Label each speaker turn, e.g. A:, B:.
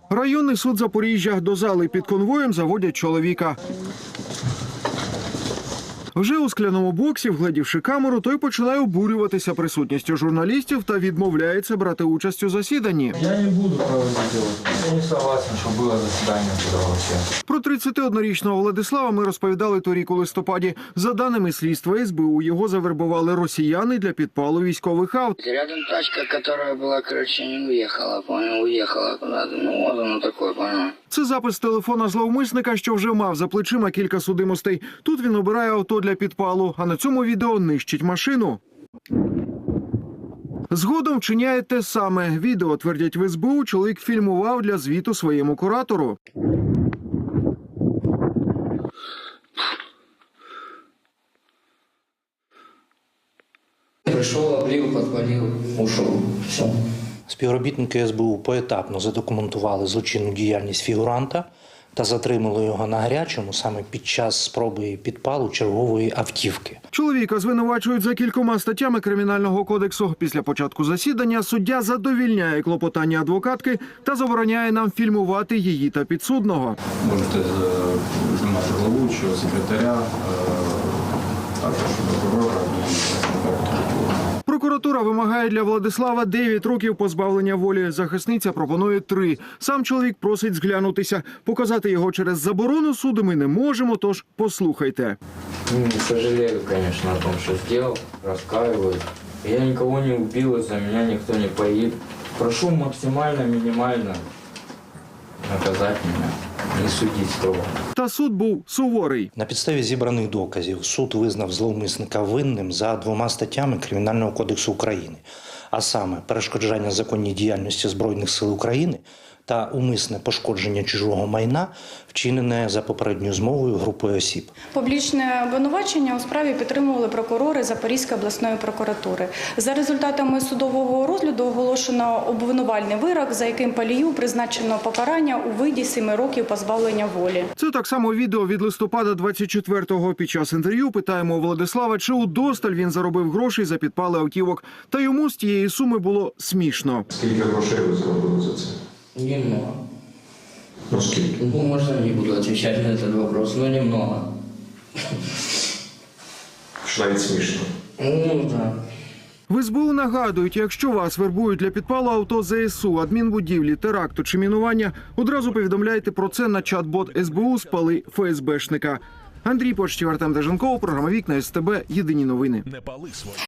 A: Районний суд Запоріжжя. До зали під конвоєм заводять чоловіка. Вже у скляному боксі, вгледівши камеру, той починає обурюватися присутністю журналістів та відмовляється брати участь у засіданні.
B: Я не буду проводити. Я не согласен, що було засідання туди взагалі. Про
A: 31-річного Владислава ми розповідали торік у листопаді. За даними слідства СБУ, його завербували росіяни для підпалу військових авт.
C: Рядом тачка, яка була, не уїхала, уїхала куди-то. Ну, от воно таке, понял.
A: Це запис телефона зловмисника, що вже мав за плечима кілька судимостей. Тут він обирає авто для підпалу, а на цьому відео нищить машину. Згодом вчиняє те саме. Відео, твердять в СБУ, чоловік фільмував для звіту своєму куратору.
C: Прийшов, облив, підпалив, ушов. Все.
D: Співробітники СБУ поетапно задокументували злочинну діяльність фігуранта та затримали його на гарячому саме під час спроби підпалу чергової автівки.
A: Чоловіка звинувачують за кількома статтями Кримінального кодексу. Після початку засідання суддя задовільняє клопотання адвокатки та забороняє нам фільмувати її та підсудного.
B: можете знімати головуючого, секретаря, також прокурора і
A: Прокуратура вимагає для Владислава 9 років позбавлення волі. Захисниця пропонує 3. Сам чоловік просить зглянутися. Показати його через заборону суду ми не можемо, тож послухайте.
B: Сожалею, конечно, о том, что сделал, раскаиваюсь. Я никого не убил, из-за меня никто не погиб. Прошу максимально, минимально наказать меня, не судить строго.
A: Та суд був суворий.
D: На підставі зібраних доказів суд визнав зловмисника винним за 2 статтями Кримінального кодексу України, а саме перешкоджання законній діяльності Збройних сил України та умисне пошкодження чужого майна, вчинене за попередньою змовою групою осіб.
E: Публічне обвинувачення у справі підтримували прокурори Запорізької обласної прокуратури. За результатами судового розгляду оголошено обвинувальний вирок, за яким Палію призначено покарання у виді 7 років позбавлення волі.
A: Це так само відео від листопада 24-го. Під час інтерв'ю питаємо у Владислава, чи удосталь він заробив грошей за підпали автівок. Та йому з тієї суми було смішно.
F: Скільки грошей ви заробили за це?
C: Немного.
F: Ну скільки?
C: Ну, можно не буду отвечать на этот вопрос, но немного.
F: Що навіть смішно.
C: Ну, да.
A: В СБУ нагадують, якщо вас вербують для підпалу авто ЗСУ, адмінбудівлі, теракту чи мінування, одразу повідомляйте про це на чат-бот СБУ «Спали ФСБшника». Андрій Почтів, Артем Деженков, програма «Вікна СТБ». Єдині новини.